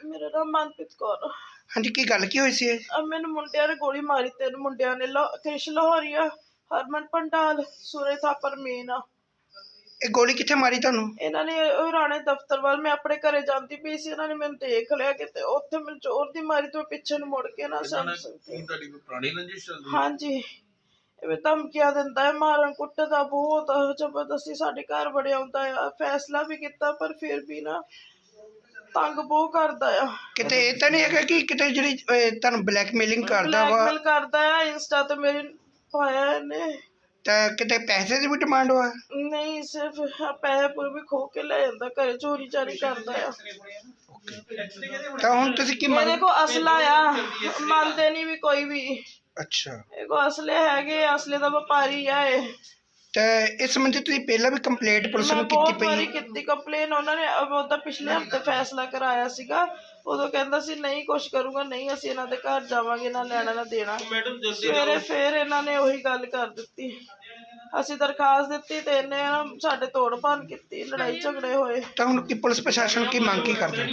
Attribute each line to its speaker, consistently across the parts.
Speaker 1: मेरा नाम मनप्रीत कौर।
Speaker 2: हाँ जी, की गल की हुई सी?
Speaker 1: अब मैंने मुंडिया ने गोली मारी, 3 मुंडिया ने, कृष लाहौरिया, हरमन पंडाल, सूरज थापर मीना।
Speaker 2: ਇਹ ਗੋਲੀ ਕਿੱਥੇ ਮਾਰੀ ਤੁਹਾਨੂੰ?
Speaker 1: ਇਹਨਾਂ ਨੇ ਰਾਣੇ ਦਫ਼ਤਰ ਵੱਲ, ਮੈਂ ਆਪਣੇ ਘਰੇ ਜਾਂਦੀ ਪਈ ਸੀ, ਇਹਨਾਂ ਨੇ ਮੈਨੂੰ ਦੇਖ ਲਿਆ ਕਿਤੇ, ਉੱਥੇ ਮੈਨੂੰ ਜ਼ੋਰ ਦੀ ਮਾਰੀ ਤੇ ਪਿੱਛੇ ਨੂੰ ਮੁੜ ਕੇ ਨਾ ਸਮਝ ਸਕਦੀ।
Speaker 3: ਤੁਹਾਡੀ ਕੋਈ ਪੁਰਾਣੀ ਰੰਜਿਸ਼ ਚੱਲਦੀ?
Speaker 1: ਹਾਂਜੀ, ਇਹ ਧਮਕੀਆਂ ਦਿੰਦਾ ਹੈ, ਮਾਰਨ ਕੁੱਟਦਾ ਬਹੁਤ ਜ਼ਬਰਦਸਤੀ, ਸਾਡੇ ਘਰ ਵੜਿਆ ਆਉਂਦਾ ਆ। ਫੈਸਲਾ ਵੀ ਕੀਤਾ ਪਰ ਫਿਰ ਵੀ ਨਾ ਤੰਗ ਬਹੁਤ ਕਰਦਾ ਆ।
Speaker 2: ਕਿਤੇ ਇਹ ਤਾਂ ਨਹੀਂ ਹੈਗਾ ਕਿ ਕਿਤੇ ਜਿਹੜੀ ਤੁਹਾਨੂੰ ਬਲੈਕਮੇਲਿੰਗ ਕਰਦਾ ਵਾ?
Speaker 1: ਬਲੈਕਮੇਲ ਕਰਦਾ ਆ, ਇੰਸਟਾ ਤੇ ਮੇਰੇ ਪਾਇਆ ਇਹਨੇ। ਤਾਂ
Speaker 2: ਕਿਤੇ ਪੈਸੇ ਦੀ ਵੀ ਡਿਮਾਂਡ ਹੋਆ?
Speaker 1: ਨਹੀਂ, ਸਿਰਫ ਪੈਸੇ ਪੂਰੇ ਵੀ ਖੋ ਕੇ ਲੈ ਜਾਂਦਾ, ਘਰੇ ਚੋਰੀ ਚਾਰੀ ਕਰਦਾ ਆ।
Speaker 2: ਤਾਂ ਹੁਣ ਤੁਸੀਂ ਕੀ
Speaker 1: ਮੇਰੇ ਕੋ ਅਸਲਾ ਆ, ਮੰਨਦੇ ਨਹੀਂ ਵੀ ਕੋਈ ਵੀ।
Speaker 2: ਅੱਛਾ,
Speaker 1: ਇਹ ਕੋ ਅਸਲੇ ਹੈਗੇ, ਅਸਲੇ ਦਾ ਵਪਾਰੀ ਆ ਇਹ।
Speaker 2: ਤੇ ਇਸ ਸੰਬੰਧੀ ਤੁਸੀਂ ਪਹਿਲਾਂ ਵੀ ਕੰਪਲੇਂਟ ਪੁਲਿਸ ਨੂੰ ਕੀਤੀ
Speaker 1: ਬਹੁਤ
Speaker 2: ਪਈ?
Speaker 1: ਵਾਰੀ ਕੀਤੀ ਕੰਪਲੇਨ, ਉਹਨਾਂ ਨੇ ਉਹਦਾ ਪਿਛਲੇ ਹਫਤੇ ਫੈਸਲਾ ਕਰਾਇਆ ਸੀਗਾ। ਉਦੋਂ ਕਹਿੰਦਾ ਸੀ ਨਹੀਂ ਕੁਛ ਕਰੂੰਗਾ, ਨਹੀਂ ਅਸੀਂ ਇਹਨਾਂ ਦੇ ਘਰ ਜਾਵਾਂਗੇ, ਨਾ ਲੈਣਾ ਨਾ ਦੇਣਾ। ਸਵੇਰੇ ਫੇਰ ਇਹਨਾਂ ਨੇ ਉਹੀ ਗੱਲ ਕਰ ਦਿੱਤੀ। ਅਸੀਂ ਦਰਖਾਸਤ ਦਿੱਤੀ ਤੇ ਇਹਨੇ ਸਾਡੇ ਤੋੜ ਭੰਨ ਕੀਤੀ, ਲੜਾਈ ਝਗੜੇ ਹੋਏ।
Speaker 2: ਤਾਂ ਹੁਣ ਕੀ ਪੁਲਿਸ ਪ੍ਰਸ਼ਾਸਨ ਕੀ ਮੰਗ ਕੀ ਕਰਦੇ?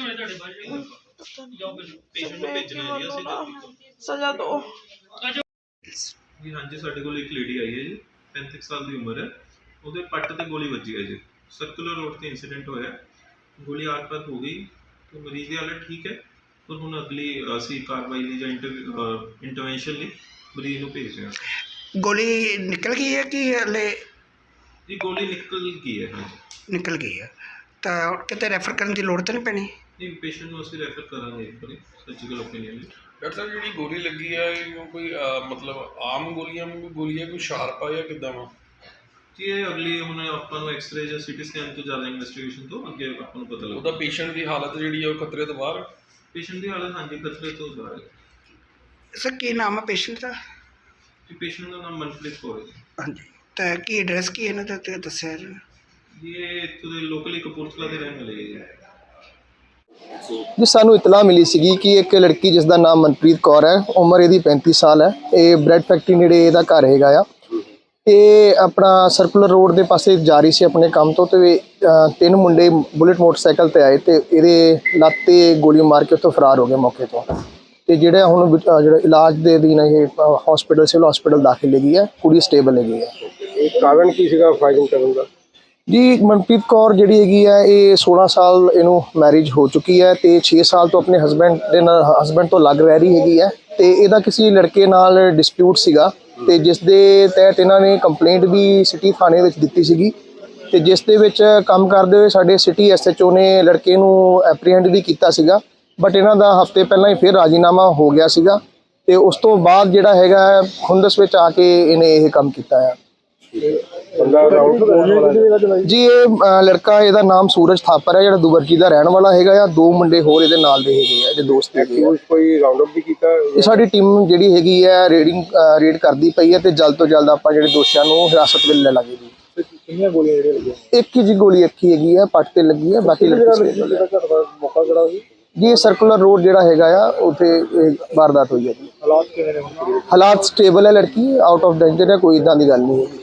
Speaker 1: ਸਜ਼ਾ ਦੋ।
Speaker 3: ਜੀ ਹਾਂਜੀ, ਸਾਡੇ ਕੋਲ ਇੱਕ ਲੇਡੀ ਆਈ ਹੈ ਜੀ, 35 ਸਾਲ ਦੀ ਉਮਰ ਹੈ। ਉਹਦੇ ਪੱਟ ਤੇ ਗੋਲੀ ਵੱਜੀ ਹੈ ਜੀ, ਸਰਕੂਲਰ ਰੋਡ ਤੇ ਇੰਸੀਡੈਂਟ ਹੋਇਆ। ਗੋਲੀ ਆਤਪਤ ਹੋ ਗਈ ਤੇ ਮਰੀਜ਼ ਦੀ ਹਾਲਤ ਠੀਕ ਹੈ, ਪਰ ਹੁਣ ਅਗਲੀ ਅਸੀਂ ਕਾਰਵਾਈ ਲਈ ਜਾਂ ਇੰਟਰਵੈਂਸ਼ਨ ਲਈ ਮਰੀਜ਼ ਨੂੰ ਭੇਜ ਰਹੇ ਹਾਂ।
Speaker 2: ਗੋਲੀ ਨਿਕਲ ਗਈ ਹੈ ਕਿ ਹਲੇ?
Speaker 3: ਜੀ ਗੋਲੀ ਨਿਕਲ ਗਈ ਹੈ। ਹਾਂਜੀ,
Speaker 2: ਨਿਕਲ ਗਈ ਹੈ। ਤਾਂ ਕਿਤੇ ਰੈਫਰ ਕਰਨ ਦੀ ਲੋੜ ਤਾਂ ਨਹੀਂ ਪੈਣੀ?
Speaker 3: ਨਹੀਂ, ਪੇਸ਼ੈਂਟ ਨੂੰ ਅਸੀਂ ਰੈਫਰ ਕਰਾਂਗੇ ਇੱਕ ਵਾਰੀ ਸਰਜੀਕਲ ਓਪੀਨੀਅਨ ਲਈ।
Speaker 4: ਡਾਕਟਰ ਸਾਹਿਬ, ਜਿਹੜੀ ਗੋਲੀ ਲੱਗੀ ਹੈ ਉਹ ਕੋਈ ਮਤਲਬ ਆਮ ਗੋਲੀਆਂ ਵੀ ਗੋਲੀ ਹੈ, ਕੋਈ ਸ਼ਾਰਪ ਆ ਜਾਂ ਕਿੱਦਾਂ ਵਾ?
Speaker 3: ਜੀ ਇਹ ਅਗਲੀ ਹੁਣ ਆਪਾਂ ਨੂੰ ਐਕਸਰੇ ਜਾਂ ਸੀਟੀ ਸਕੈਨ ਤੋਂ ਜ਼ਿਆਦਾ ਇਨਵੈਸਟੀਗੇਸ਼ਨ ਤੋਂ ਅੱਗੇ ਆਪਾਂ ਨੂੰ ਪਤਾ ਲੱਗਦਾ।
Speaker 4: ਉਹਦਾ ਪੇਸ਼ੈਂਟ ਦੀ ਹਾਲਤ ਜਿਹੜੀ ਹੈ ਉਹ ਖਤਰੇ ਤੋਂ ਬਾਹਰ?
Speaker 3: ਪੇਸ਼ੈਂਟ ਦੀ ਹਾਲਤ ਹਾਂਜੀ ਖਤਰੇ ਤੋਂ ਬਾਹਰ ਹੈ।
Speaker 2: ਸਰ ਕੀ ਨਾਮ ਹੈ ਪੇਸ਼ੈਂਟ ਦਾ?
Speaker 3: ਜੀ ਪੇਸ਼ੈਂਟ ਦਾ ਨਾਮ ਮਨਪ੍ਰੀਤ ਕੌਰ ਹੈ ਜੀ।
Speaker 2: ਹਾਂਜੀ, ਤਾਂ ਕੀ ਐਡਰੈਸ ਕੀ ਇਹਨਾਂ ਦਾ ਤੇ ਦੱਸਿਆ ਜੀ?
Speaker 3: ਜੀ ਇਹ ਇੱਥੋਂ ਦੇ ਲੋਕਲੀ ਕਪੂਰਥਲਾ ਦੇ ਰਹਿਣ ਵਾਲੇ ਜੀ।
Speaker 5: ਜੀ ਸਾਨੂੰ ਇਤਲਾਹ ਮਿਲੀ ਸੀਗੀ ਕਿ ਇੱਕ ਲੜਕੀ ਜਿਸ ਦਾ ਨਾਮ ਮਨਪ੍ਰੀਤ ਕੌਰ ਹੈ, ਉਮਰ ਇਹਦੀ 35 ਸਾਲ ਹੈ, ਇਹ ਬ੍ਰੈਡ ਫੈਕਟਰੀ ਨੇੜੇ ਇਹਦਾ ਘਰ ਹੈਗਾ ਆ। ਇਹ ਆਪਣਾ ਸਰਕੂਲਰ ਰੋਡ ਦੇ ਪਾਸੇ ਜਾ ਰਹੀ ਸੀ ਆਪਣੇ ਕੰਮ ਤੋਂ, ਤੇ 3 ਮੁੰਡੇ ਬੁਲਟ ਮੋਟਰਸਾਈਕਲ ਤੇ ਆਏ ਤੇ ਇਹਦੇ ਲੱਤ ਤੇ ਗੋਲੀ ਮਾਰ ਕੇ ਉੱਥੋਂ ਫਰਾਰ ਹੋ ਗਏ ਮੌਕੇ ਤੋਂ। ਤੇ ਜਿਹੜਾ ਹੁਣ ਜਿਹੜਾ ਇਲਾਜ ਦੇ ਅਧੀਨ ਇਹ ਹਸਪੀਟਲ, ਸਿਵਲ ਹਸਪੀਟਲ ਦਾਖਲ ਹੈਗੀ ਹੈ, ਕੁੜੀ ਸਟੇਬਲ ਹੈਗੀ ਹੈ।
Speaker 6: ਇਹ ਕਾਰਨ ਕੀ ਸੀਗਾ ਫਾਇਰਿੰਗ ਕਰਨ ਦਾ?
Speaker 5: ਜੀ ਮਨਪ੍ਰੀਤ ਕੌਰ ਜਿਹੜੀ ਹੈਗੀ ਹੈ, ਇਹ 16 ਸਾਲ ਇਹਨੂੰ ਮੈਰਿਜ ਹੋ ਚੁੱਕੀ ਹੈ ਤੇ 6 ਸਾਲ ਤੋਂ ਆਪਣੇ ਹਸਬੈਂਡ ਤੋਂ ਲੱਗ ਰਹਿ ਰਹੀ ਹੈਗੀ ਹੈ। ਤੇ ਇਹਦਾ ਕਿਸੇ ਲੜਕੇ ਨਾਲ ਡਿਸਪਿਊਟ ਸੀਗਾ, ਤੇ ਜਿਸ ਦੇ ਤਹਿਤ ਇਹਨਾਂ ਨੇ ਕੰਪਲੇਂਟ ਵੀ ਸਿਟੀ ਥਾਣੇ ਵਿੱਚ ਦਿੱਤੀ ਸੀਗੀ। ਤੇ ਜਿਸ ਦੇ ਵਿੱਚ ਕੰਮ ਕਰਦੇ ਹੋਏ ਸਾਡੇ ਸਿਟੀ SHO ਨੇ ਲੜਕੇ ਨੂੰ ਐਪਰੀਹੈਂਡ ਵੀ ਕੀਤਾ ਸੀਗਾ, ਬਟ ਇਹਨਾਂ ਦਾ ਹਫ਼ਤੇ ਪਹਿਲਾਂ ਹੀ ਫਿਰ ਰਾਜੀਨਾਮਾ ਹੋ ਗਿਆ ਸੀਗਾ। ਤੇ ਉਸ ਤੋਂ ਬਾਅਦ ਜਿਹੜਾ ਹੈਗਾ ਖੁੰਦਸ ਵਿੱਚ ਆ ਕੇ ਇਹਨੇ ਇਹ ਕੰਮ ਕੀਤਾ ਹੈ। ਜੀ ਇਹ ਲੜਕਾ, ਇਹਦਾ ਨਾਮ ਸੂਰਜ ਥਾਪਰ ਹੈ, ਜਿਹੜਾ ਦੁਬਰਜੀ ਦਾ ਰਹਿਣ ਵਾਲਾ ਹੈਗਾ ਆ। 2 ਮੁੰਡੇ ਹੋਰ ਇਹਦੇ ਨਾਲ ਦੇ ਹੈਗੇ ਆ, ਇਹਦੇ ਦੋਸਤ ਹੈਗੇ ਆ।
Speaker 6: ਕੋਈ ਰਾਉਂਡ ਅਪ ਵੀ ਕੀਤਾ?
Speaker 5: ਇਹ ਸਾਡੀ ਟੀਮ ਜਿਹੜੀ ਹੈਗੀ ਹੈ ਰੇਡ ਕਰਦੀ ਪਈ ਹੈ, ਤੇ ਜਲਦ ਤੋਂ ਜਲਦ ਆਪਾਂ ਜਿਹੜੇ ਦੋਸ਼ੀਆਂ ਨੂੰ ਹਿਰਾਸਤ ਵਿੱਚ ਲੈ ਲਾਂਗੇ ਜੀ।
Speaker 6: ਕਿੰਨੀਆਂ ਗੋਲੀਆਂ ਜਿਹੜੀਆਂ ਲੱਗੀਆਂ?
Speaker 5: ਇੱਕ ਹੀ ਜੀ ਗੋਲੀ ਇੱਕ ਹੀ ਹੈਗੀ ਹੈ, ਪੱਟ ਤੇ ਲੱਗੀ ਹੈ, ਬਾਕੀ
Speaker 6: ਮੌਕਾ ਕਿਹੜਾ ਸੀ
Speaker 5: ਜੀ? ਸਰਕੂਲਰ ਰੋਡ ਜਿਹੜਾ ਹੈਗਾ ਆ, ਉੱਥੇ ਵਾਰਦਾਤ ਹੋਈ ਹੈ ਜੀ।
Speaker 6: ਹਾਲਾਤ ਕਿਵੇਂ ਨੇ?
Speaker 5: ਹਾਲਾਤ ਸਟੇਬਲ ਹੈ, ਲੜਕੀ ਆਊਟ ਆਫ ਡੇਂਜਰ ਹੈ, ਕੋਈ ਇਦਾਂ ਦੀ ਗੱਲ ਨਹੀਂ ਹੈ।